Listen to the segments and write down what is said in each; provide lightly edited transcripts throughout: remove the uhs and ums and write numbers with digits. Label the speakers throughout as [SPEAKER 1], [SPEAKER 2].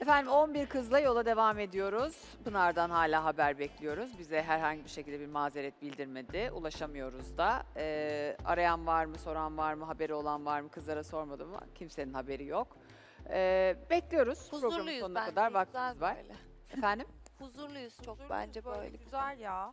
[SPEAKER 1] Efendim 11 kızla yola devam ediyoruz. Pınar'dan hala haber bekliyoruz. Bize herhangi bir şekilde bir mazeret bildirmedi. Ulaşamıyoruz da. Arayan var mı, soran var mı, haberi olan var mı? Kızlara sormadım ama kimsenin haberi yok. Bekliyoruz. Programın
[SPEAKER 2] Huzurluyuz
[SPEAKER 1] sonuna
[SPEAKER 2] bence.
[SPEAKER 1] kadar
[SPEAKER 2] Güzel
[SPEAKER 1] vaktimiz var.
[SPEAKER 2] böyle.
[SPEAKER 1] Efendim?
[SPEAKER 2] Huzurluyuz çok
[SPEAKER 3] Huzurluyuz
[SPEAKER 2] bence böyle.
[SPEAKER 3] Güzel ya.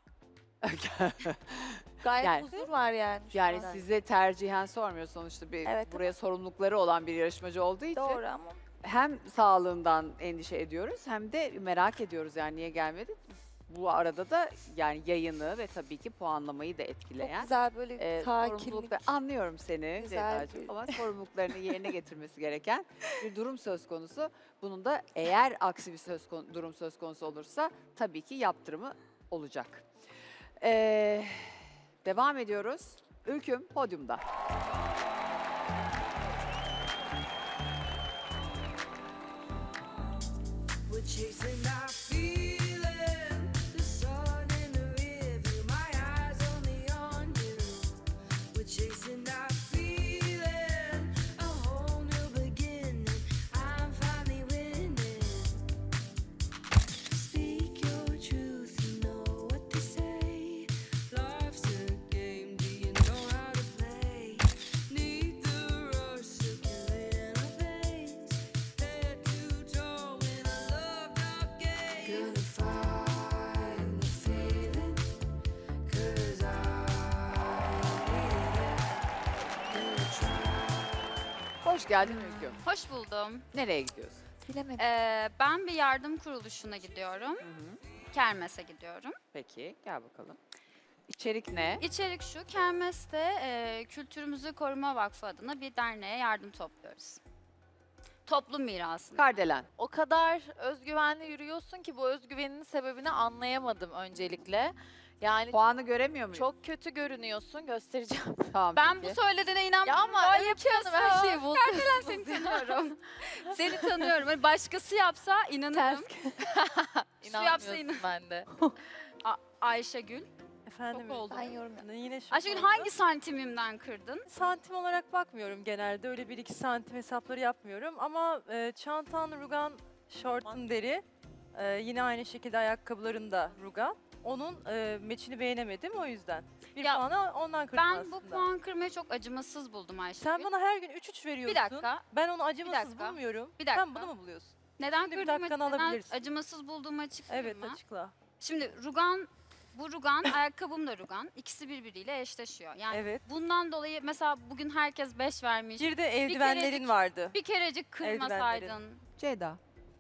[SPEAKER 2] Gayet
[SPEAKER 1] Yani-
[SPEAKER 2] huzur var yani. şu
[SPEAKER 1] Yani
[SPEAKER 2] an.
[SPEAKER 1] size tercihen sormuyor sonuçta bir
[SPEAKER 2] Evet,
[SPEAKER 1] buraya sorumlulukları olan bir yarışmacı olduğu için.
[SPEAKER 2] Doğru ama
[SPEAKER 1] Hem sağlığından endişe ediyoruz hem de merak ediyoruz yani niye gelmedi. Bu arada da yani yayını ve tabii ki puanlamayı da
[SPEAKER 2] çok
[SPEAKER 1] etkileyen
[SPEAKER 2] güzel böyle sakinlik.
[SPEAKER 1] sorumluluklar. Anlıyorum seni
[SPEAKER 2] Güzel
[SPEAKER 1] Ceyda'cığım
[SPEAKER 2] bir-
[SPEAKER 1] ama sorumluluklarını yerine getirmesi gereken bir durum söz konusu. Bunun da eğer aksi bir durum söz konusu olursa tabii ki yaptırımı olacak. Devam ediyoruz. Ülküm podyumda.
[SPEAKER 4] We're chasing our feeling, the sun in the rearview, my eyes only on you. We're chasing our feeling, a whole new beginning. I'm finally winning. Speak your truth, you know what to say. Life's a game, do you know how to play? Need the rush circulating our veins. Head too tall in a loved up game. Gonna find the feeling, 'cause I need it. Gonna try.
[SPEAKER 1] Hoş geldin Ülküm.
[SPEAKER 5] Hoş buldum.
[SPEAKER 1] Nereye gidiyorsun?
[SPEAKER 2] Bilemedim.
[SPEAKER 5] Ben bir yardım kuruluşuna gidiyorum. Kermes'e gidiyorum.
[SPEAKER 1] Peki gel bakalım. İçerik ne?
[SPEAKER 5] İçerik şu, Kermes'te Kültürümüzü Koruma Vakfı adına bir derneğe yardım topluyoruz. Toplum mirasını.
[SPEAKER 1] Kardelen.
[SPEAKER 6] O kadar özgüvenli yürüyorsun ki bu özgüveninin sebebini anlayamadım öncelikle. Yani
[SPEAKER 1] Puanı göremiyor muyum?
[SPEAKER 6] çok kötü görünüyorsun, göstereceğim.
[SPEAKER 1] Tamam,
[SPEAKER 5] Ben
[SPEAKER 1] peki.
[SPEAKER 5] bu söylediğine
[SPEAKER 6] Ya
[SPEAKER 5] inanmıyorum.
[SPEAKER 6] ama
[SPEAKER 5] Rol
[SPEAKER 6] Öykü
[SPEAKER 5] yapıyorsun.
[SPEAKER 6] Hanım her şeyi buldu.
[SPEAKER 5] Ben seni tanıyorum. Seni tanıyorum. Hani başkası yapsa inanırım. Su yapsa
[SPEAKER 6] İnanmıyorsun ben de.
[SPEAKER 5] Ayşegül.
[SPEAKER 3] Efendim
[SPEAKER 5] Çok oldu.
[SPEAKER 2] Ben yorum yapayım.
[SPEAKER 3] yine şu
[SPEAKER 5] Ayşegül hangi santimimden kırdın?
[SPEAKER 3] santim olarak bakmıyorum genelde. Öyle 1-2 santim hesapları yapmıyorum. Ama çantan rugan, şortun deri. Yine aynı şekilde ayakkabıların da rugan. Onun meçini beğenemedim o yüzden. Bir
[SPEAKER 5] Ya,
[SPEAKER 3] puanı ondan kırdım
[SPEAKER 5] Ben
[SPEAKER 3] aslında.
[SPEAKER 5] bu puan kırmayı çok acımasız buldum Ayşegül.
[SPEAKER 3] Sen bana her gün 3-3 veriyorsun.
[SPEAKER 5] Bir dakika.
[SPEAKER 3] Ben onu acımasız
[SPEAKER 5] dakika.
[SPEAKER 3] bulmuyorum.
[SPEAKER 5] Bir dakika.
[SPEAKER 3] Sen bunu mu buluyorsun?
[SPEAKER 5] Neden
[SPEAKER 3] Şimdi bir
[SPEAKER 5] kırdığımı,
[SPEAKER 3] dakikanı
[SPEAKER 5] neden
[SPEAKER 3] alabilirsin.
[SPEAKER 5] acımasız bulduğumu açıklayayım
[SPEAKER 3] Evet
[SPEAKER 5] mı?
[SPEAKER 3] açıkla.
[SPEAKER 5] Şimdi bu rugan, ayakkabım da rugan. İkisi birbiriyle eşleşiyor. Yani
[SPEAKER 3] Evet.
[SPEAKER 5] bundan dolayı mesela bugün herkes 5 vermiş.
[SPEAKER 3] Bir de eldivenlerin vardı.
[SPEAKER 5] Bir kerecik kırmasaydın.
[SPEAKER 1] Ceyda.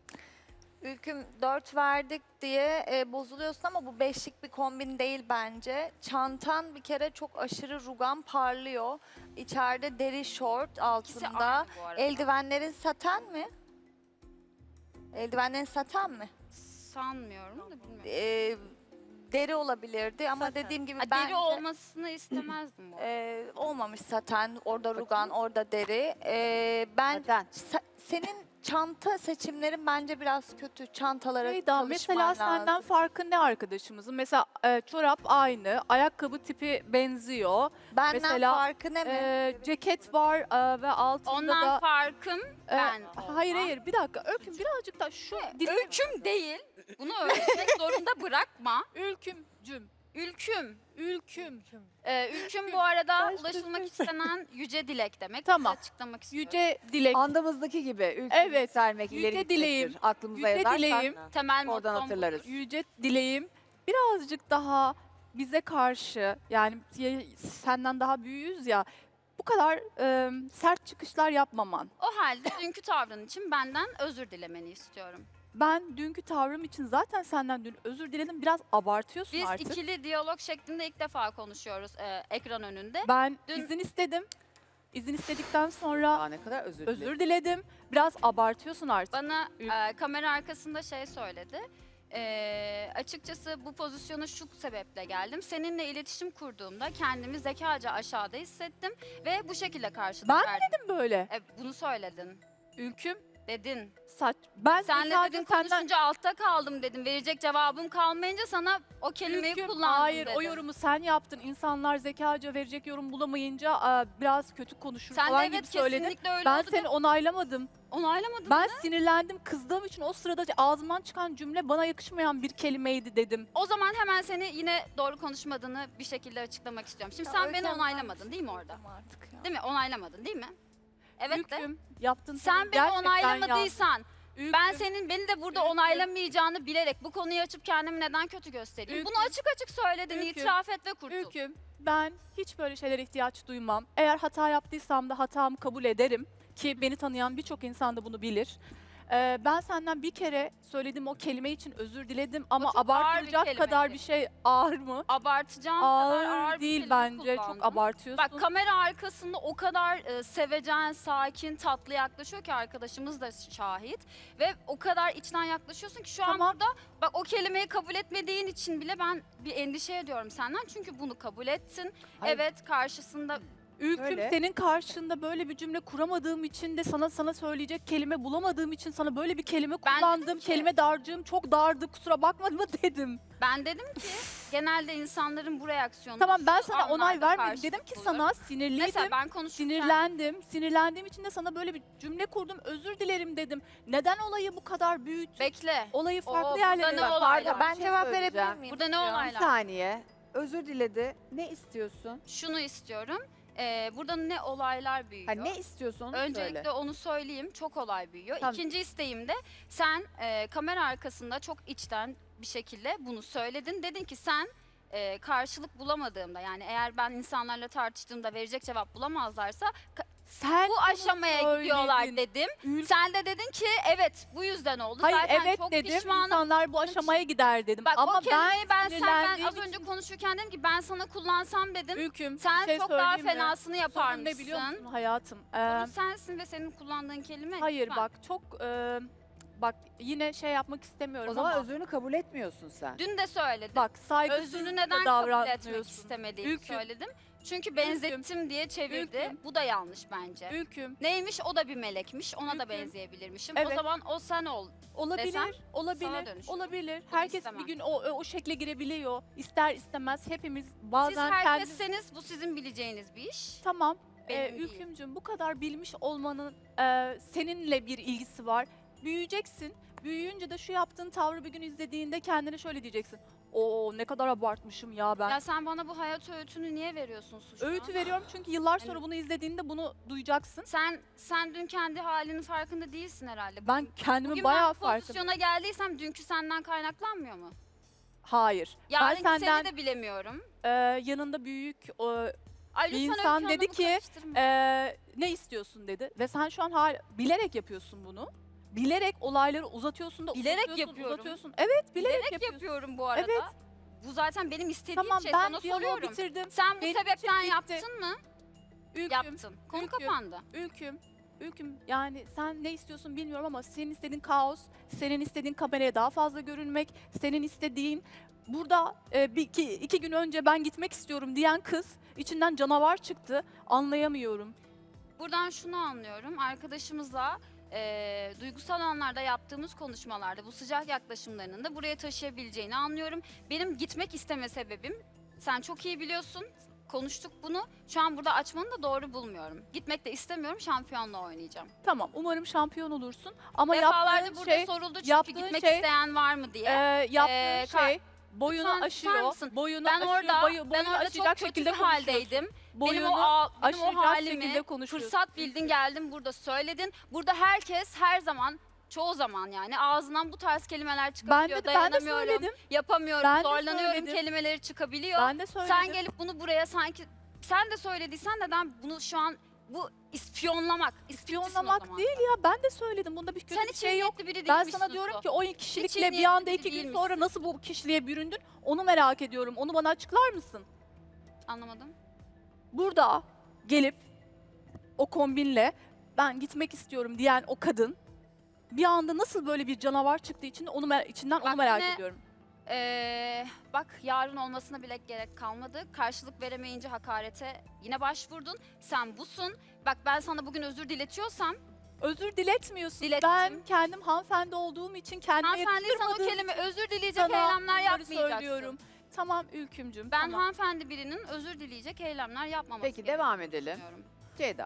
[SPEAKER 2] Ülküm 4 verdik diye bozuluyorsun ama bu 5'lik bir kombin değil bence. Çantan bir kere çok aşırı rugan parlıyor. İçeride deri şort
[SPEAKER 5] İkisi
[SPEAKER 2] altında.
[SPEAKER 5] aynı bu arada.
[SPEAKER 2] Eldivenlerin saten mi? Eldivenlerin saten mi?
[SPEAKER 5] Sanmıyorum da bilmiyorum.
[SPEAKER 2] Deri olabilirdi ama
[SPEAKER 3] Saten.
[SPEAKER 2] dediğim gibi
[SPEAKER 5] Ha,
[SPEAKER 2] ben
[SPEAKER 5] deri olmasını istemezdim bu arada.
[SPEAKER 2] olmamış saten. Orada rugan, orada deri. Ben
[SPEAKER 1] Neden?
[SPEAKER 2] senin çanta seçimlerin bence biraz kötü. Çantalara
[SPEAKER 7] Ceyda,
[SPEAKER 2] çalışman
[SPEAKER 7] mesela
[SPEAKER 2] lazım.
[SPEAKER 7] senden farkı ne arkadaşımızın? Mesela çorap aynı, ayakkabı tipi benziyor.
[SPEAKER 2] Benden
[SPEAKER 7] mesela,
[SPEAKER 2] farkı ne mi?
[SPEAKER 7] Ceket var ve altında
[SPEAKER 5] Ondan
[SPEAKER 7] da...
[SPEAKER 5] farkım ben
[SPEAKER 7] Hayır
[SPEAKER 5] olmam.
[SPEAKER 7] hayır bir dakika Öyküm birazcık da şu
[SPEAKER 5] Öyküm değil. Bunu öğretmek zorunda bırakma.
[SPEAKER 7] Ülkümcüm.
[SPEAKER 5] Ülküm.
[SPEAKER 7] Ülküm.
[SPEAKER 5] Ülküm bu arada ulaşılmak istenen yüce dilek demek.
[SPEAKER 7] Tamam.
[SPEAKER 5] Açıklamak istiyorum.
[SPEAKER 7] Yüce dilek.
[SPEAKER 1] Andımızdaki gibi ülkü
[SPEAKER 7] Evet,
[SPEAKER 1] yükselmek,
[SPEAKER 7] yüce
[SPEAKER 1] ileri gitmektir.
[SPEAKER 7] dileğim,
[SPEAKER 1] Aklımıza
[SPEAKER 7] yüce
[SPEAKER 1] yazarsak
[SPEAKER 7] dileğim.
[SPEAKER 5] Temel
[SPEAKER 1] oradan
[SPEAKER 5] mottom
[SPEAKER 1] hatırlarız.
[SPEAKER 7] Yüce dileğim birazcık daha bize karşı yani senden daha büyüğüz ya bu kadar sert çıkışlar yapmaman.
[SPEAKER 5] O halde dünkü tavrın için benden özür dilemeni istiyorum.
[SPEAKER 7] Ben dünkü tavrım için zaten senden dün özür diledim. Biraz abartıyorsun
[SPEAKER 5] Biz
[SPEAKER 7] artık.
[SPEAKER 5] ikili diyalog şeklinde ilk defa konuşuyoruz ekran önünde.
[SPEAKER 7] Ben
[SPEAKER 5] Dün-
[SPEAKER 7] izin istedim. İzin istedikten sonra
[SPEAKER 1] Aa, ne kadar özür dilerim.
[SPEAKER 7] özür diledim. Biraz abartıyorsun artık.
[SPEAKER 5] Bana kamera arkasında şey söyledi. Açıkçası bu pozisyona şu sebeple geldim. Seninle iletişim kurduğumda kendimi zekaca aşağıda hissettim ve bu şekilde karşılık
[SPEAKER 7] Ben
[SPEAKER 5] verdim.
[SPEAKER 7] Dedim böyle.
[SPEAKER 5] Bunu söyledin.
[SPEAKER 7] Ülküm
[SPEAKER 5] Dedin.
[SPEAKER 7] Ben
[SPEAKER 5] Senle
[SPEAKER 7] sadece
[SPEAKER 5] dedin
[SPEAKER 7] senden...
[SPEAKER 5] konuşunca altta kaldım dedim. Verecek cevabım kalmayınca sana o kelimeyi
[SPEAKER 7] Ülküm,
[SPEAKER 5] kullandım
[SPEAKER 7] hayır
[SPEAKER 5] dedim.
[SPEAKER 7] o yorumu sen yaptın. İnsanlar zekaca verecek yorum bulamayınca biraz kötü konuşur
[SPEAKER 5] Sen de
[SPEAKER 7] falan gibi
[SPEAKER 5] evet
[SPEAKER 7] söyledin.
[SPEAKER 5] kesinlikle öyle
[SPEAKER 7] Ben
[SPEAKER 5] oldu.
[SPEAKER 7] seni onaylamadım.
[SPEAKER 5] Onaylamadın
[SPEAKER 7] Ben
[SPEAKER 5] mı?
[SPEAKER 7] sinirlendim, kızdığım için o sırada ağzımdan çıkan cümle bana yakışmayan bir kelimeydi dedim.
[SPEAKER 5] O zaman hemen seni yine doğru konuşmadığını bir şekilde açıklamak istiyorum. Şimdi sen beni onaylamadın değil mi orada?
[SPEAKER 7] Artık ya.
[SPEAKER 5] Değil mi? Onaylamadın değil mi? Evet de.
[SPEAKER 7] Ülküm, yaptın
[SPEAKER 5] Sen beni
[SPEAKER 7] gerçekten
[SPEAKER 5] onaylamadıysan
[SPEAKER 7] Ülküm,
[SPEAKER 5] ben senin beni de burada
[SPEAKER 7] Ülküm.
[SPEAKER 5] onaylamayacağını bilerek bu konuyu açıp kendimi neden kötü göstereyim? Bunu
[SPEAKER 7] Ülküm.
[SPEAKER 5] açık açık söyledin,
[SPEAKER 7] Ülküm.
[SPEAKER 5] itiraf et ve kurtul.
[SPEAKER 7] Ülküm, ben hiç böyle şeylere ihtiyaç duymam. Eğer hata yaptıysam da hatamı kabul ederim. Ki beni tanıyan birçok insan da bunu bilir. Ben senden bir kere söylediğim o kelime için özür diledim ama
[SPEAKER 5] çok ağır bir
[SPEAKER 7] abartılacak kadar
[SPEAKER 5] kelimeydi.
[SPEAKER 7] bir şey ağır mı?
[SPEAKER 5] Abartacağım kadar
[SPEAKER 7] Ağır
[SPEAKER 5] ağır bir
[SPEAKER 7] değil
[SPEAKER 5] kelime
[SPEAKER 7] bence, çok
[SPEAKER 5] kullandın.
[SPEAKER 7] abartıyorsun.
[SPEAKER 5] Bak kamera arkasında o kadar sevecen, sakin, tatlı yaklaşıyor ki arkadaşımız da şahit. Ve o kadar içten yaklaşıyorsun ki şu an
[SPEAKER 7] Tamam.
[SPEAKER 5] burada bak o kelimeyi kabul etmediğin için bile ben bir endişe ediyorum senden. Çünkü bunu kabul ettin.
[SPEAKER 1] Hayır.
[SPEAKER 5] Evet karşısında
[SPEAKER 7] Ülküm,
[SPEAKER 1] Öyle.
[SPEAKER 7] senin karşında böyle bir cümle kuramadığım için de sana söyleyecek kelime bulamadığım için sana böyle bir kelime
[SPEAKER 5] Ben
[SPEAKER 7] kullandım.
[SPEAKER 5] dedim ki-
[SPEAKER 7] Kelime dağarcığım çok dardı, kusura bakma mı dedim.
[SPEAKER 5] ben dedim ki genelde insanların bu reaksiyonu
[SPEAKER 7] Tamam, ben
[SPEAKER 5] şu
[SPEAKER 7] sana onay
[SPEAKER 5] anlarda
[SPEAKER 7] vermedim.
[SPEAKER 5] karşılık
[SPEAKER 7] Dedim ki
[SPEAKER 5] bulur.
[SPEAKER 7] sana sinirliydim.
[SPEAKER 5] Mesela ben konuşurken
[SPEAKER 7] Sinirlendim. Sinirlendiğim için de sana böyle bir cümle kurdum. Özür dilerim dedim. Neden olayı bu kadar büyüttün?
[SPEAKER 5] bekle.
[SPEAKER 7] Olayı
[SPEAKER 5] Oo,
[SPEAKER 7] farklı
[SPEAKER 5] burada
[SPEAKER 7] yerlere...
[SPEAKER 5] ne
[SPEAKER 7] Bak,
[SPEAKER 5] olaylar?
[SPEAKER 7] pardon,
[SPEAKER 2] Ben
[SPEAKER 1] şey
[SPEAKER 2] cevap
[SPEAKER 1] söyleyeceğim.
[SPEAKER 2] verebilir miyim?
[SPEAKER 5] Burada ne
[SPEAKER 2] Ya?
[SPEAKER 1] Bir
[SPEAKER 5] olaylar?
[SPEAKER 1] saniye. Özür diledi. Ne istiyorsun?
[SPEAKER 5] Şunu istiyorum. Burada ne olaylar büyüyor?
[SPEAKER 1] Ha, ne istiyorsun onu
[SPEAKER 5] Öncelikle
[SPEAKER 1] söyle.
[SPEAKER 5] onu söyleyeyim. Çok olay büyüyor.
[SPEAKER 1] Tamam.
[SPEAKER 5] İkinci isteğim de sen kamera arkasında çok içten bir şekilde bunu söyledin. Dedin ki sen karşılık bulamadığımda yani eğer ben insanlarla tartıştığımda verecek cevap bulamazlarsa
[SPEAKER 7] sen
[SPEAKER 5] bu
[SPEAKER 7] bunu
[SPEAKER 5] aşamaya
[SPEAKER 7] söyledin.
[SPEAKER 5] gidiyorlar dedim.
[SPEAKER 7] Ül-
[SPEAKER 5] Sen de dedin ki evet bu yüzden oldu.
[SPEAKER 7] Hayır
[SPEAKER 5] Zaten
[SPEAKER 7] evet
[SPEAKER 5] çok
[SPEAKER 7] dedim.
[SPEAKER 5] pişmanım.
[SPEAKER 7] İnsanlar bu aşamaya gider dedim.
[SPEAKER 5] Bak
[SPEAKER 7] Ama
[SPEAKER 5] o kelimeyi ben az
[SPEAKER 7] sinirlendiğim
[SPEAKER 5] önce
[SPEAKER 7] için-
[SPEAKER 5] konuşurken dedim ki ben sana kullansam dedim.
[SPEAKER 7] Ülküm,
[SPEAKER 5] Sen
[SPEAKER 7] bir şey
[SPEAKER 5] çok daha
[SPEAKER 7] söyleyeyim mi?
[SPEAKER 5] fenasını
[SPEAKER 7] Sorun
[SPEAKER 5] yaparmışsın.
[SPEAKER 7] ne biliyor musun hayatım?
[SPEAKER 5] Sorun sensin ve senin kullandığın kelime.
[SPEAKER 7] Hayır
[SPEAKER 5] lütfen.
[SPEAKER 7] bak çok... bak yine şey yapmak istemiyorum
[SPEAKER 1] O zaman
[SPEAKER 7] ama...
[SPEAKER 1] özrünü kabul etmiyorsun sen.
[SPEAKER 5] Dün de söyledim.
[SPEAKER 7] Bak saygısız
[SPEAKER 5] Özrünü
[SPEAKER 7] da
[SPEAKER 5] neden kabul etmek
[SPEAKER 7] davranmıyorsun.
[SPEAKER 5] istemediğimi
[SPEAKER 7] Ülküm.
[SPEAKER 5] söyledim. Çünkü benzettim diye çevirdi.
[SPEAKER 7] Ülküm.
[SPEAKER 5] Bu da yanlış bence.
[SPEAKER 7] Ülküm,
[SPEAKER 5] Neymiş o da bir melekmiş. Ona da
[SPEAKER 7] Ülküm.
[SPEAKER 5] benzeyebilirmişim.
[SPEAKER 7] Evet.
[SPEAKER 5] O zaman o sen ol.
[SPEAKER 7] olabilir,
[SPEAKER 5] Desem, sana
[SPEAKER 7] olabilir,
[SPEAKER 5] dönüşür.
[SPEAKER 7] olabilir.
[SPEAKER 5] Bunu
[SPEAKER 7] Herkes
[SPEAKER 5] istemem.
[SPEAKER 7] bir gün o şekle girebiliyor. İster istemez hepimiz
[SPEAKER 5] Siz
[SPEAKER 7] bazen kendi...
[SPEAKER 5] herkesseniz bu sizin bileceğiniz bir iş.
[SPEAKER 7] Tamam,
[SPEAKER 5] Benim değil.
[SPEAKER 7] Ülkümcüm bu kadar bilmiş olmanın seninle bir ilgisi var. Büyüyeceksin. Büyüyünce de şu yaptığın tavrı bir gün izlediğinde kendine şöyle diyeceksin. Oo ne kadar abartmışım ya ben.
[SPEAKER 5] Ya sen bana bu hayat öğütünü niye veriyorsun Suçma?
[SPEAKER 7] Öğütü veriyorum çünkü yıllar sonra
[SPEAKER 5] Yani-
[SPEAKER 7] bunu izlediğinde bunu duyacaksın.
[SPEAKER 5] Sen dün kendi halinin farkında değilsin herhalde.
[SPEAKER 7] Ben kendimi
[SPEAKER 5] Bugün
[SPEAKER 7] bayağı
[SPEAKER 5] ben bu
[SPEAKER 7] farkındayım.
[SPEAKER 5] pozisyona geldiysem dünkü senden kaynaklanmıyor mu?
[SPEAKER 7] Hayır.
[SPEAKER 5] Yarınki
[SPEAKER 7] ben senden
[SPEAKER 5] seni de bilemiyorum.
[SPEAKER 7] yanında büyük
[SPEAKER 5] Ay
[SPEAKER 7] bir
[SPEAKER 5] lütfen
[SPEAKER 7] insan
[SPEAKER 5] Öykü
[SPEAKER 7] dedi
[SPEAKER 5] Hanım'ı
[SPEAKER 7] ki,
[SPEAKER 5] karıştırma.
[SPEAKER 7] ne istiyorsun dedi. Ve sen şu an bilerek yapıyorsun bunu. Bilerek olayları uzatıyorsun da
[SPEAKER 5] Bilerek
[SPEAKER 7] uzatıyorsun,
[SPEAKER 5] yapıyorum.
[SPEAKER 7] uzatıyorsun. Evet bilerek,
[SPEAKER 5] Bilerek
[SPEAKER 7] yapıyorsun.
[SPEAKER 5] yapıyorum bu arada.
[SPEAKER 7] Evet.
[SPEAKER 5] Bu zaten benim istediğim
[SPEAKER 7] Tamam
[SPEAKER 5] şey.
[SPEAKER 7] ben
[SPEAKER 5] Sana
[SPEAKER 7] diyaloğu
[SPEAKER 5] soruyorum.
[SPEAKER 7] bitirdim.
[SPEAKER 5] Sen bu
[SPEAKER 7] Benim için
[SPEAKER 5] sebepten
[SPEAKER 7] bitti.
[SPEAKER 5] yaptın mı?
[SPEAKER 7] Ülküm,
[SPEAKER 5] Yaptın. Konu
[SPEAKER 7] Ülküm.
[SPEAKER 5] kapandı.
[SPEAKER 7] Ülküm yani sen ne istiyorsun bilmiyorum ama senin istediğin kaos, senin istediğin kameraya daha fazla görünmek, senin istediğin burada iki gün önce ben gitmek istiyorum diyen kız içinden canavar çıktı. Anlayamıyorum.
[SPEAKER 5] Buradan şunu anlıyorum. Arkadaşımızla duygusal anlarda yaptığımız konuşmalarda bu sıcak yaklaşımlarının da buraya taşıyabileceğini anlıyorum. Benim gitmek isteme sebebim sen çok iyi biliyorsun. Konuştuk bunu. Şu an burada açmanı da doğru bulmuyorum. Gitmek de istemiyorum. Şampiyonla oynayacağım.
[SPEAKER 7] Tamam umarım şampiyon olursun ama
[SPEAKER 5] Defalarca
[SPEAKER 7] yaptığın
[SPEAKER 5] burada
[SPEAKER 7] şey,
[SPEAKER 5] soruldu çünkü
[SPEAKER 7] yaptığın
[SPEAKER 5] gitmek
[SPEAKER 7] şey,
[SPEAKER 5] isteyen var mı diye.
[SPEAKER 7] yaptığın şey boyunu
[SPEAKER 5] Lütfen susar
[SPEAKER 7] aşıyor.
[SPEAKER 5] mısın?
[SPEAKER 7] Boyunu
[SPEAKER 5] Ben
[SPEAKER 7] aşıyor,
[SPEAKER 5] orada
[SPEAKER 7] boyunu
[SPEAKER 5] ben orada çok
[SPEAKER 7] aşacak
[SPEAKER 5] kötü
[SPEAKER 7] şekilde
[SPEAKER 5] bir
[SPEAKER 7] konuşuyorsun.
[SPEAKER 5] haldeydim.
[SPEAKER 7] Boyunu
[SPEAKER 5] benim o
[SPEAKER 7] aşacak
[SPEAKER 5] halimi
[SPEAKER 7] şekilde konuşuyorsun.
[SPEAKER 5] fırsat bildin geldin burada söyledin. Burada herkes her zaman çoğu zaman yani ağzından bu tarz kelimeler
[SPEAKER 7] Ben
[SPEAKER 5] çıkabiliyor.
[SPEAKER 7] de
[SPEAKER 5] Dayanamıyorum,
[SPEAKER 7] söyledim.
[SPEAKER 5] yapamıyorum,
[SPEAKER 7] Ben de
[SPEAKER 5] zorlanıyorum
[SPEAKER 7] söyledim.
[SPEAKER 5] kelimeleri çıkabiliyor.
[SPEAKER 7] Ben de söyledim.
[SPEAKER 5] Sen gelip bunu buraya sanki sen de söylediysen neden bunu şu an bu ispiyonlamak.
[SPEAKER 7] İspiyonlamak değil ya ben de söyledim. Bunda bir kötü
[SPEAKER 5] Sen
[SPEAKER 7] bir
[SPEAKER 5] hiç
[SPEAKER 7] şey yok.
[SPEAKER 5] niyetli biri
[SPEAKER 7] Ben
[SPEAKER 5] değilmişsin
[SPEAKER 7] sana diyorum
[SPEAKER 5] Utku.
[SPEAKER 7] ki o
[SPEAKER 5] Hiç iyi
[SPEAKER 7] kişilikle bir
[SPEAKER 5] niyetli
[SPEAKER 7] anda
[SPEAKER 5] biri
[SPEAKER 7] 2 gün
[SPEAKER 5] değilmişsin.
[SPEAKER 7] sonra nasıl bu kişiliğe büründün onu merak ediyorum. Onu bana açıklar mısın?
[SPEAKER 5] Anlamadım.
[SPEAKER 7] Burada gelip o kombinle ben gitmek istiyorum diyen o kadın bir anda nasıl böyle bir canavar çıktığı için içinden onu
[SPEAKER 5] Bak
[SPEAKER 7] merak
[SPEAKER 5] yine-
[SPEAKER 7] ediyorum.
[SPEAKER 5] Bak yarın olmasına bile gerek kalmadı. Karşılık veremeyince hakarete yine başvurdun. Sen busun. Bak ben sana bugün özür diletiyorsam
[SPEAKER 7] Özür diletmiyorsun.
[SPEAKER 5] Dilettim.
[SPEAKER 7] Ben kendim hanımefendi olduğum için kendime
[SPEAKER 5] Hanımefendiysen o
[SPEAKER 7] yakıştırmadığım
[SPEAKER 5] kelime özür dileyecek
[SPEAKER 7] sana
[SPEAKER 5] eylemler
[SPEAKER 7] bunları
[SPEAKER 5] yapmayacaksın.
[SPEAKER 7] söylüyorum. Tamam Ülkümcüm.
[SPEAKER 5] Ben
[SPEAKER 7] tamam.
[SPEAKER 5] hanımefendi birinin özür dileyecek eylemler yapmaması
[SPEAKER 1] Peki devam edelim.
[SPEAKER 5] düşünüyorum.
[SPEAKER 1] Ceyda.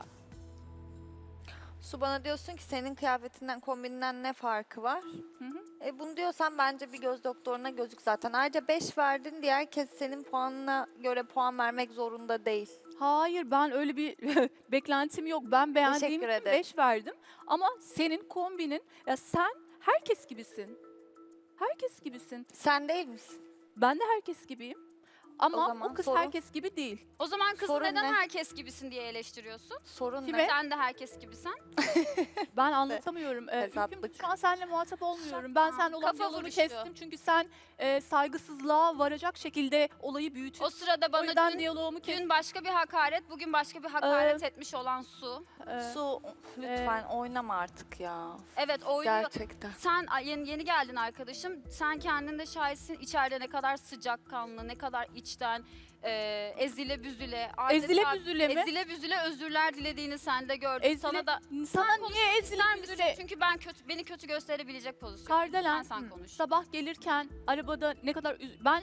[SPEAKER 2] Su bana diyorsun ki senin kıyafetinden, kombininden ne farkı var?
[SPEAKER 7] Hı hı.
[SPEAKER 2] Bunu diyorsan bence bir göz doktoruna gözük zaten. Ayrıca 5 verdin diye herkes senin puanına göre puan vermek zorunda değil.
[SPEAKER 7] Hayır ben öyle bir beklentim yok. Ben beğendiğim
[SPEAKER 2] Teşekkür
[SPEAKER 7] için
[SPEAKER 2] ederim.
[SPEAKER 7] 5 verdim. Ama senin kombinin, ya sen herkes gibisin. Herkes gibisin.
[SPEAKER 2] Sen değil misin?
[SPEAKER 7] Ben de herkes gibiyim. Ama o,
[SPEAKER 2] zaman
[SPEAKER 7] kız
[SPEAKER 2] sorun-
[SPEAKER 7] herkes gibi değil.
[SPEAKER 5] O zaman kızı
[SPEAKER 2] Sorun
[SPEAKER 5] neden
[SPEAKER 2] ne?
[SPEAKER 5] herkes gibisin diye eleştiriyorsun?
[SPEAKER 2] Sorun
[SPEAKER 7] Kime?
[SPEAKER 2] ne?
[SPEAKER 5] Sen de herkes gibisin.
[SPEAKER 7] Ben anlatamıyorum.
[SPEAKER 2] Hesaplık.
[SPEAKER 7] Ülküm, şu an seninle muhatap olmuyorum. Ben seninle olan
[SPEAKER 5] Kafa
[SPEAKER 7] diyaloğu
[SPEAKER 5] vuruştu.
[SPEAKER 7] kestim. Çünkü sen saygısızlığa varacak şekilde olayı
[SPEAKER 5] O
[SPEAKER 7] büyütüyorsun.
[SPEAKER 5] sırada
[SPEAKER 7] O
[SPEAKER 5] bana
[SPEAKER 7] yüzden
[SPEAKER 5] dün,
[SPEAKER 7] diyaloğumu kestim.
[SPEAKER 5] dün başka bir hakaret, bugün başka bir hakaret etmiş olan Su.
[SPEAKER 2] Su lütfen oynama artık ya.
[SPEAKER 5] Evet oynuyor.
[SPEAKER 2] Gerçekten.
[SPEAKER 5] Sen yeni geldin arkadaşım. Sen kendin de şahitsin. İçeride ne kadar sıcakkanlı, ne kadar içten, ezile büzüle.
[SPEAKER 7] Ezile
[SPEAKER 5] adeta
[SPEAKER 7] büzüle mi?
[SPEAKER 5] Ezile büzüle özürler dilediğini sen de gördüm.
[SPEAKER 7] Ezile-
[SPEAKER 5] Sana da
[SPEAKER 7] Sana
[SPEAKER 5] konuşmak
[SPEAKER 7] niye ezilip
[SPEAKER 5] ister misin?
[SPEAKER 7] üzüle?
[SPEAKER 5] Çünkü beni kötü gösterebilecek pozisyon.
[SPEAKER 7] Kardelen,
[SPEAKER 5] Sen konuş.
[SPEAKER 7] sabah gelirken arabada ne kadar ben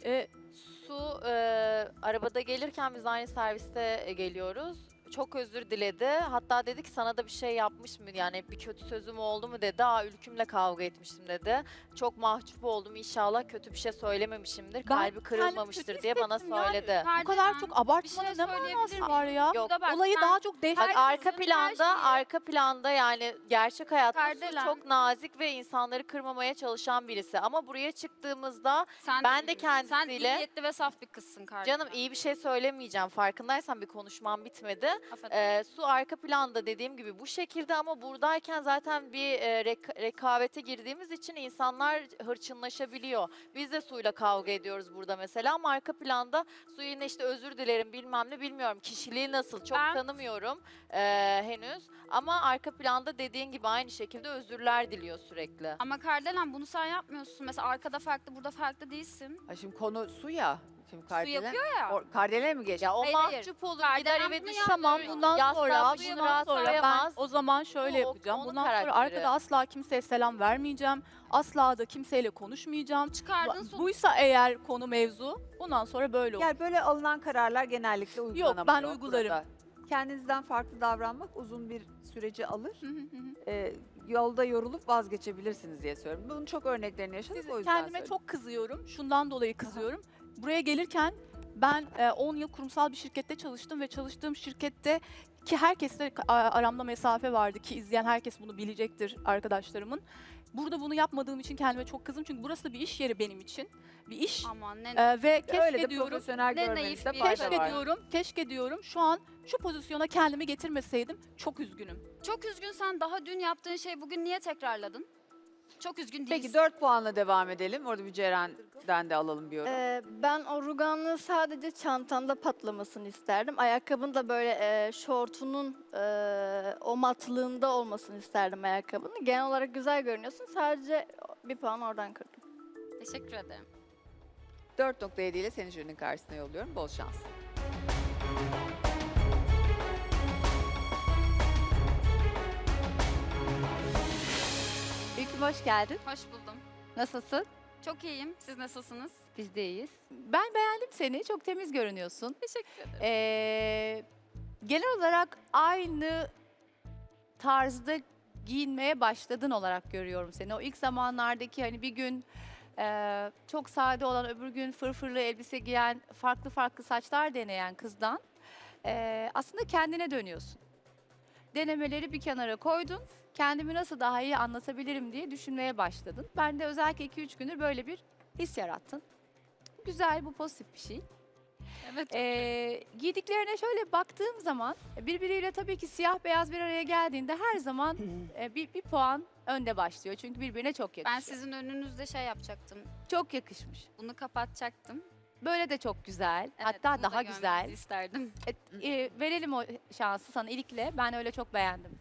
[SPEAKER 6] Su arabada gelirken biz aynı serviste geliyoruz. Çok özür diledi. Hatta dedi ki sana da bir şey yapmış mı? Yani bir kötü sözüm oldu mu dedi. Ülkümle kavga etmiştim dedi. Çok mahcup oldum. İnşallah kötü bir şey söylememişimdir. Kalbi
[SPEAKER 7] kendimi
[SPEAKER 6] kırılmamıştır
[SPEAKER 7] kötü
[SPEAKER 6] diye bana
[SPEAKER 7] hissettim yani.
[SPEAKER 6] söyledi.
[SPEAKER 7] bu kadar çok abartmanın
[SPEAKER 5] şey
[SPEAKER 7] ne
[SPEAKER 5] söyleyebilir
[SPEAKER 7] manası
[SPEAKER 5] miyim?
[SPEAKER 7] var ya?
[SPEAKER 6] Yok.
[SPEAKER 5] Burada bak,
[SPEAKER 7] Olayı
[SPEAKER 5] sen-
[SPEAKER 7] daha çok dehşet.
[SPEAKER 6] Bak
[SPEAKER 5] Herkesin
[SPEAKER 6] arka
[SPEAKER 5] her
[SPEAKER 6] planda,
[SPEAKER 5] şeyi-
[SPEAKER 6] arka planda yani gerçek hayatta Su
[SPEAKER 5] Kardelen.
[SPEAKER 6] çok nazik ve insanları kırmamaya çalışan birisi. Ama buraya çıktığımızda
[SPEAKER 5] Sen
[SPEAKER 6] ben de
[SPEAKER 5] Sen iyi
[SPEAKER 6] kendisiyle
[SPEAKER 5] niyetli ve saf bir kızsın kardeşim.
[SPEAKER 6] canım iyi bir şey söylemeyeceğim. Farkındaysan bir konuşmam bitmedi.
[SPEAKER 5] Affedersin.
[SPEAKER 6] Su arka planda dediğim gibi bu şekilde ama buradayken zaten bir rekabete girdiğimiz için insanlar hırçınlaşabiliyor. Biz de Su'yla kavga ediyoruz burada mesela ama arka planda Su yine işte özür dilerim bilmem ne bilmiyorum. Kişiliği nasıl çok
[SPEAKER 5] Ben-
[SPEAKER 6] tanımıyorum henüz. Ama arka planda dediğin gibi aynı şekilde özürler diliyor sürekli.
[SPEAKER 5] Ama Kardelen bunu sen yapmıyorsun. Mesela arkada farklı, burada farklı değilsin.
[SPEAKER 1] Ha, şimdi konu su ya. Şimdi
[SPEAKER 5] Su
[SPEAKER 1] Kardelen.
[SPEAKER 5] yapıyor ya.
[SPEAKER 1] Kardelen'e mi geçti?
[SPEAKER 6] Ya o
[SPEAKER 5] Hayır, hayır.
[SPEAKER 6] mahcup olur
[SPEAKER 5] Kardelen
[SPEAKER 6] gider eve
[SPEAKER 5] bunu
[SPEAKER 6] düşünür.
[SPEAKER 7] Tamam bundan
[SPEAKER 6] Yastığa
[SPEAKER 7] sonra
[SPEAKER 6] başını
[SPEAKER 7] bundan sonra ben
[SPEAKER 6] rastlayamaz.
[SPEAKER 7] o zaman şöyle
[SPEAKER 6] Bu
[SPEAKER 7] yapacağım.
[SPEAKER 6] onun
[SPEAKER 7] Bundan sonra
[SPEAKER 6] karakteri.
[SPEAKER 7] arkada asla kimseye selam vermeyeceğim. Asla da kimseyle konuşmayacağım.
[SPEAKER 5] Çıkardın sonuç.
[SPEAKER 7] Buysa eğer konu mevzu bundan sonra böyle olur.
[SPEAKER 1] Yani böyle alınan kararlar genellikle uygulanamıyor.
[SPEAKER 7] ben uygularım.
[SPEAKER 1] burada. Kendinizden farklı davranmak uzun bir süreci alır.
[SPEAKER 7] Hı hı hı.
[SPEAKER 1] Yolda yorulup vazgeçebilirsiniz diye söylüyorum. Bunun çok örneklerini yaşadık o yüzden
[SPEAKER 7] Kendime
[SPEAKER 1] söylüyorum.
[SPEAKER 7] çok kızıyorum. Şundan dolayı kızıyorum. Buraya gelirken ben 10 yıl kurumsal bir şirkette çalıştım ve çalıştığım şirkette ki herkesle aramda mesafe vardı ki izleyen herkes bunu bilecektir arkadaşlarımın. Burada bunu yapmadığım için kendime çok kızdım çünkü burası bir iş yeri benim için. Bir iş.
[SPEAKER 5] Aman ne
[SPEAKER 7] Ve
[SPEAKER 1] Öyle de
[SPEAKER 7] keşke diyorum,
[SPEAKER 1] profesyonel
[SPEAKER 5] ne
[SPEAKER 1] görmenizde
[SPEAKER 5] naif bir
[SPEAKER 1] fayda
[SPEAKER 7] keşke
[SPEAKER 1] var.
[SPEAKER 7] diyorum, keşke diyorum şu an şu pozisyona kendimi getirmeseydim çok üzgünüm.
[SPEAKER 5] Çok üzgünsen daha dün yaptığın şeyi bugün niye tekrarladın? Çok üzgün değilsin.
[SPEAKER 1] Peki 4 puanla devam edelim. Orada bir Ceren'den de alalım bir yorum.
[SPEAKER 8] Ben o ruganlığı sadece çantanda patlamasını isterdim. Ayakkabın da böyle şortunun o matlığında olmasını isterdim ayakkabının. Genel olarak güzel görünüyorsun. Sadece bir puan oradan kırdım.
[SPEAKER 5] Teşekkür ederim.
[SPEAKER 1] 4.7 ile seni jürinin karşısına yolluyorum. Bol şans.
[SPEAKER 9] İlküm hoş geldin.
[SPEAKER 5] Hoş buldum.
[SPEAKER 9] Nasılsın?
[SPEAKER 5] Çok iyiyim. Siz nasılsınız?
[SPEAKER 9] Biz de iyiyiz. Ben beğendim seni. Çok temiz görünüyorsun.
[SPEAKER 5] Teşekkür ederim.
[SPEAKER 9] Genel olarak aynı tarzda giyinmeye başladın olarak görüyorum seni. O ilk zamanlardaki hani bir gün çok sade olan, öbür gün fırfırlı elbise giyen, farklı farklı saçlar deneyen kızdan aslında kendine dönüyorsun. Denemeleri bir kenara koydun. Kendimi nasıl daha iyi anlatabilirim diye düşünmeye başladın. Ben de özellikle 2-3 gündür böyle bir his yarattın. Güzel, bu pozitif bir şey.
[SPEAKER 5] Evet.
[SPEAKER 9] Giydiklerine şöyle baktığım zaman birbiriyle tabii ki siyah beyaz bir araya geldiğinde her zaman bir puan önde başlıyor. Çünkü birbirine çok yakışıyor.
[SPEAKER 5] Ben sizin önünüzde şey yapacaktım.
[SPEAKER 9] Çok yakışmış.
[SPEAKER 5] Bunu kapatacaktım.
[SPEAKER 9] Böyle de çok güzel.
[SPEAKER 5] Evet,
[SPEAKER 9] Hatta
[SPEAKER 5] bunu da
[SPEAKER 9] daha
[SPEAKER 5] görmenizi
[SPEAKER 9] güzel.
[SPEAKER 5] isterdim.
[SPEAKER 9] Verelim o şansı sana ilikle. Ben öyle çok beğendim.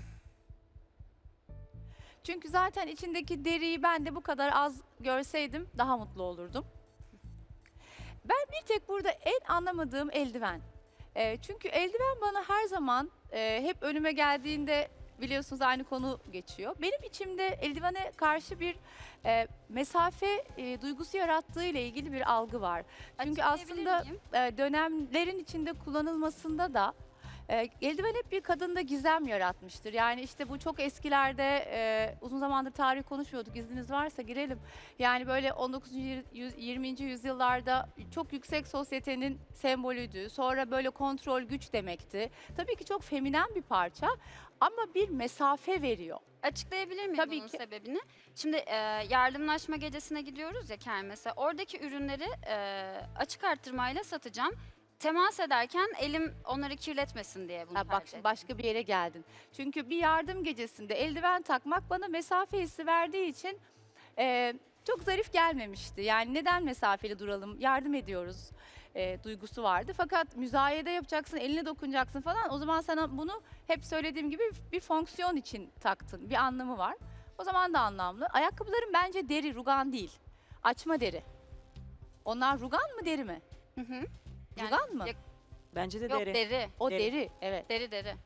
[SPEAKER 9] Çünkü zaten içindeki deriyi ben de bu kadar az görseydim daha mutlu olurdum. Ben bir tek burada en anlamadığım eldiven. Çünkü eldiven bana her zaman hep önüme geldiğinde biliyorsunuz aynı konu geçiyor. Benim içimde eldivene karşı bir mesafe duygusu yarattığı ile ilgili bir algı var. Çünkü
[SPEAKER 5] Açıklayabilir
[SPEAKER 9] aslında
[SPEAKER 5] miyim?
[SPEAKER 9] dönemlerin içinde kullanılmasında da eldiven hep bir kadında gizem yaratmıştır. Yani işte bu çok eskilerde uzun zamandır tarih konuşuyorduk. İzniniz varsa girelim. Yani böyle 19. 20. yüzyıllarda çok yüksek sosyetenin sembolüydü. Sonra böyle kontrol güç demekti. Tabii ki çok feminen bir parça ama bir mesafe veriyor.
[SPEAKER 5] Açıklayabilir miyim
[SPEAKER 9] Tabii
[SPEAKER 5] bunun
[SPEAKER 9] ki.
[SPEAKER 5] sebebini? Şimdi yardımlaşma gecesine gidiyoruz ya kermese. Oradaki ürünleri açık arttırmayla satacağım. Temas ederken elim onları kirletmesin diye bunu
[SPEAKER 9] Ha, bak
[SPEAKER 5] tercih
[SPEAKER 9] şimdi
[SPEAKER 5] ettim.
[SPEAKER 9] başka bir yere geldin. Çünkü bir yardım gecesinde eldiven takmak bana mesafe hissi verdiği için çok zarif gelmemişti. Yani neden mesafeli duralım, yardım ediyoruz duygusu vardı. Fakat müzayede yapacaksın, eline dokunacaksın falan. O zaman sana bunu hep söylediğim gibi bir fonksiyon için taktın. Bir anlamı var. O zaman da anlamlı. Ayakkabılarım bence deri, rugan değil. Açma deri. Onlar rugan mı deri mi?
[SPEAKER 5] Hı hı. Yani
[SPEAKER 9] Rugan mı?
[SPEAKER 5] ya-
[SPEAKER 10] Bence de
[SPEAKER 5] Yok
[SPEAKER 10] deri.
[SPEAKER 5] deri.
[SPEAKER 9] O
[SPEAKER 10] deri.
[SPEAKER 9] deri, evet.
[SPEAKER 5] Deri.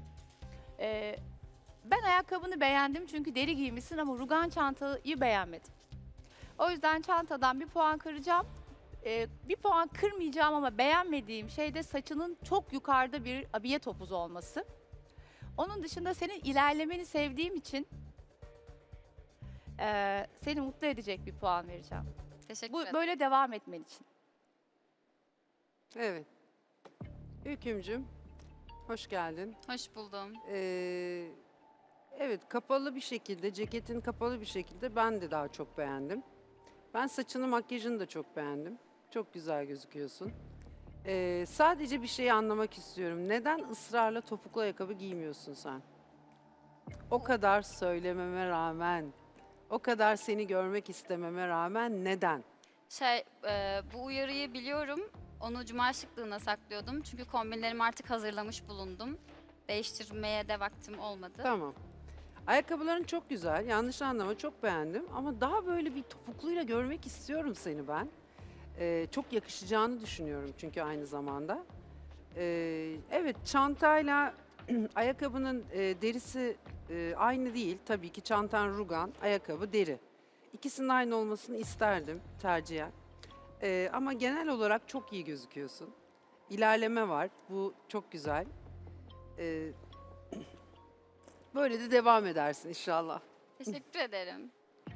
[SPEAKER 9] Ben ayakkabını beğendim çünkü deri giymişsin ama rugan çantayı beğenmedim. O yüzden çantadan bir puan kıracağım. Bir puan kırmayacağım ama beğenmediğim şey de saçının çok yukarıda bir abiye topuzu olması. Onun dışında senin ilerlemeni sevdiğim için seni mutlu edecek bir puan vereceğim.
[SPEAKER 5] Teşekkür
[SPEAKER 9] Bu
[SPEAKER 5] ederim.
[SPEAKER 9] böyle devam etmen için.
[SPEAKER 11] Evet. Ülkümcüm, hoş geldin.
[SPEAKER 5] Hoş buldum.
[SPEAKER 11] Evet, kapalı bir şekilde, ceketin kapalı bir şekilde ben de daha çok beğendim. Ben saçını, makyajını da çok beğendim. Çok güzel gözüküyorsun. Sadece bir şeyi anlamak istiyorum. Neden ısrarla topuklu ayakkabı giymiyorsun sen? O kadar söylememe rağmen, o kadar seni görmek istememe rağmen neden?
[SPEAKER 5] Bu uyarıyı biliyorum. Onu cuma şıklığına saklıyordum. Çünkü kombinlerimi artık hazırlamış bulundum. Değiştirmeye de vaktim olmadı.
[SPEAKER 11] Tamam. Ayakkabıların çok güzel. Yanlış anlama, çok beğendim. Ama daha böyle bir topukluyla görmek istiyorum seni ben. Çok yakışacağını düşünüyorum çünkü aynı zamanda. Evet, çantayla ayakkabının derisi aynı değil. Tabii ki çantan rugan, ayakkabı deri. İkisinin aynı olmasını isterdim tercihen. Ama genel olarak çok iyi gözüküyorsun. İlerleme var. Bu çok güzel. Böyle de devam edersin inşallah.
[SPEAKER 5] Teşekkür ederim.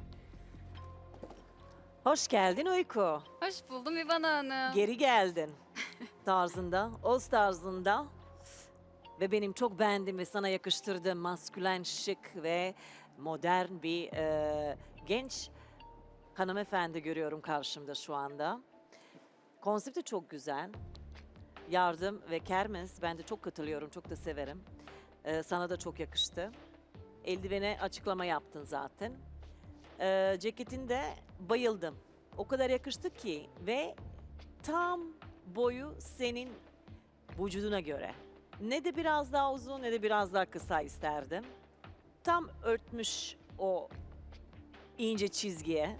[SPEAKER 10] Hoş geldin Uyku.
[SPEAKER 5] Hoş buldum İvana Hanım.
[SPEAKER 10] Geri geldin. Tarzında, Oz tarzında. Ve benim çok beğendiğim ve sana yakıştırdığım maskülen, şık ve modern bir genç hanımefendi görüyorum karşımda şu anda. Konsepti çok güzel. Yardım ve kermes, ben de çok katılıyorum, çok da severim. Sana da çok yakıştı. Eldivene açıklama yaptın zaten. Ceketinde bayıldım. O kadar yakıştı ki ve tam boyu senin vücuduna göre. Ne de biraz daha uzun ne de biraz daha kısa isterdim. Tam örtmüş o ince çizgiye.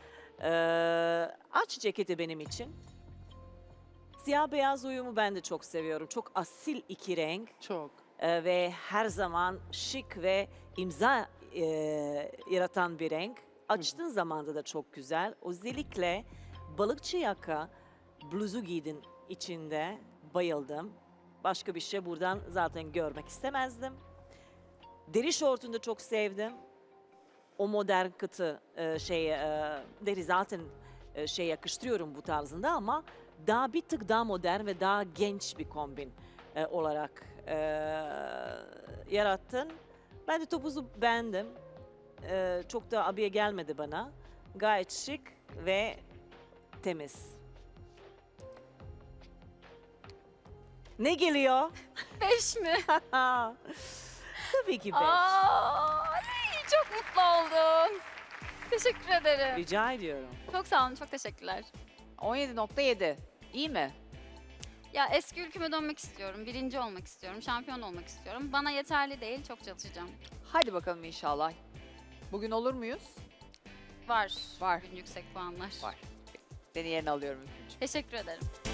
[SPEAKER 10] Aç ceketi benim için. Siyah beyaz uyumu ben de çok seviyorum. Çok asil iki renk.
[SPEAKER 11] Çok.
[SPEAKER 10] Ve her zaman şık ve imza yaratan bir renk. Açtığın zamanda da çok güzel. Özellikle balıkçı yaka bluzu giydin içinde. Bayıldım. Başka bir şey buradan zaten görmek istemezdim. Deri şortunu da çok sevdim. O modern kıtı deri zaten yakıştırıyorum bu tarzında ama daha bir tık daha modern ve daha genç bir kombin olarak yarattın. Ben de topuzu beğendim. Çok da abiye gelmedi bana. Gayet şık ve temiz. Ne geliyor?
[SPEAKER 5] 5 mi?
[SPEAKER 10] Tabii ki 5.
[SPEAKER 5] Ay, çok mutlu oldum. Teşekkür ederim.
[SPEAKER 10] Rica ediyorum.
[SPEAKER 5] Çok sağ olun, çok teşekkürler.
[SPEAKER 1] 17.7. İyi mi?
[SPEAKER 5] Ya eski ülküme dönmek istiyorum, birinci olmak istiyorum, şampiyon olmak istiyorum. Bana yeterli değil, çok çalışacağım.
[SPEAKER 1] Hadi bakalım inşallah. Bugün olur muyuz?
[SPEAKER 5] Var.
[SPEAKER 1] Var.
[SPEAKER 5] Bugün yüksek puanlar.
[SPEAKER 1] Var. Seni yerine alıyorum. Ülkücüğüm.
[SPEAKER 5] Teşekkür ederim.